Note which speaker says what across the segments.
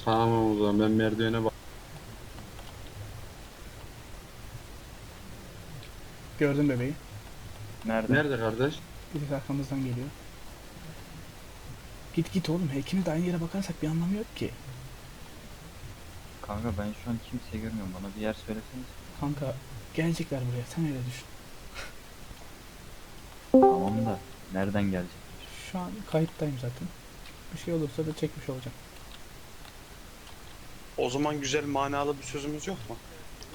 Speaker 1: Tamam o zaman ben merdivene bak.
Speaker 2: Gördüm bebeği.
Speaker 3: Nerede?
Speaker 1: Nerede kardeş?
Speaker 2: Birisi arkamızdan geliyor. Git git oğlum. İkimiz de aynı yere bakarsak bir anlamı yok ki.
Speaker 3: Kanka ben şu an kimseyi görmüyorum. Bana bir yer söyleseniz.
Speaker 2: Kanka gelecekler buraya. Sen öyle düşün.
Speaker 3: Tamam da nereden gelecek?
Speaker 2: Şu an kayıttayım zaten. Bir şey olursa da çekmiş olacağım.
Speaker 4: O zaman güzel manalı bir sözümüz yok mu?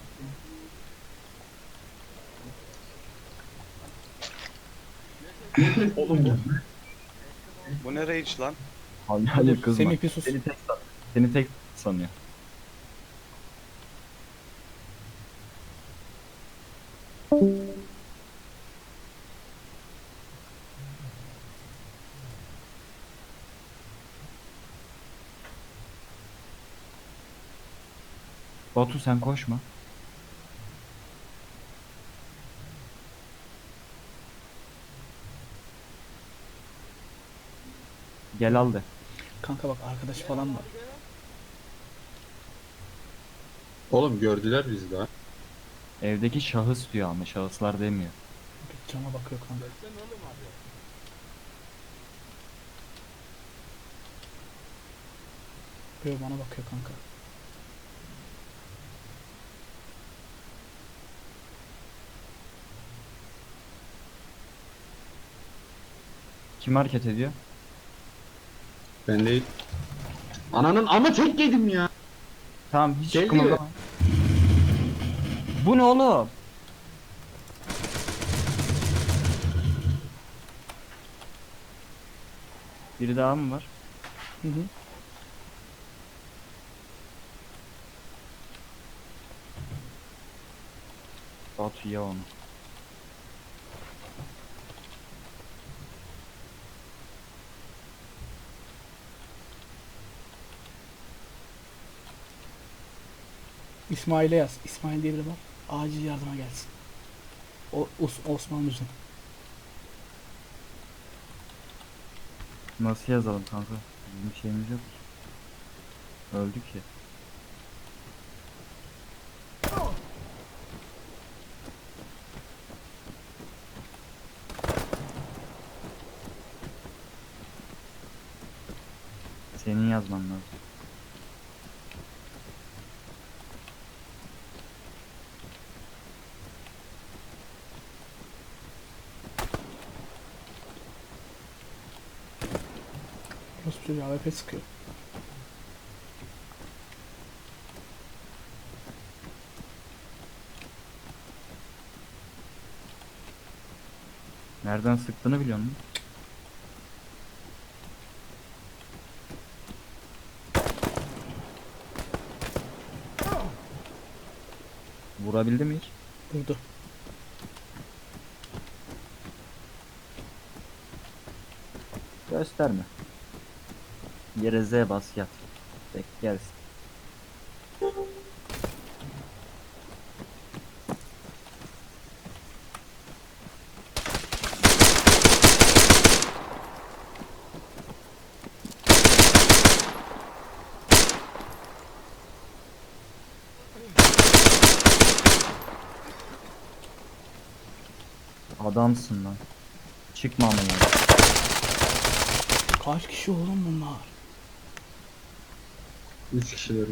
Speaker 4: Oğlum bu ne rage lan?
Speaker 3: Hayır kızma.
Speaker 2: Semih bir sus.
Speaker 3: Seni tek sanıyor. Batu sen koşma. Gel al de.
Speaker 2: Kanka bak arkadaş falan var.
Speaker 1: Oğlum gördüler bizi daha.
Speaker 3: Evdeki şahıs diyor ama şahıslar demiyor.
Speaker 2: Bir cama bakıyor kanka. Böyle bana bakıyor kanka.
Speaker 3: Kim hareket ediyor?
Speaker 1: Ben değil. Ananın ama tek yedim ya.
Speaker 3: Tamam hiç
Speaker 1: Geliyor.
Speaker 3: kımıldama. Bu ne oğlum? Biri daha mı var?
Speaker 2: Hı hı.
Speaker 3: Batu ya onu.
Speaker 2: İsmail'e yaz. İsmail diye biri var. Acil yardıma gelsin. Osman Müzün.
Speaker 3: Nasıl yazalım kanka? Bizim bir şeyimiz yok ki. Öldük ya. Senin yazman lazım.
Speaker 2: Rus çocuğu AWP sıkıyor.
Speaker 3: Nereden sıktığını biliyor musun? Vurabildi mi hiç?
Speaker 2: Vurdu.
Speaker 3: Gösterme. Yere Z bas yat. Bek gelsin. Adamsın lan. Çıkma ama ya.
Speaker 2: Kaç kişi oğlum bunlar?
Speaker 1: 3 kişiler.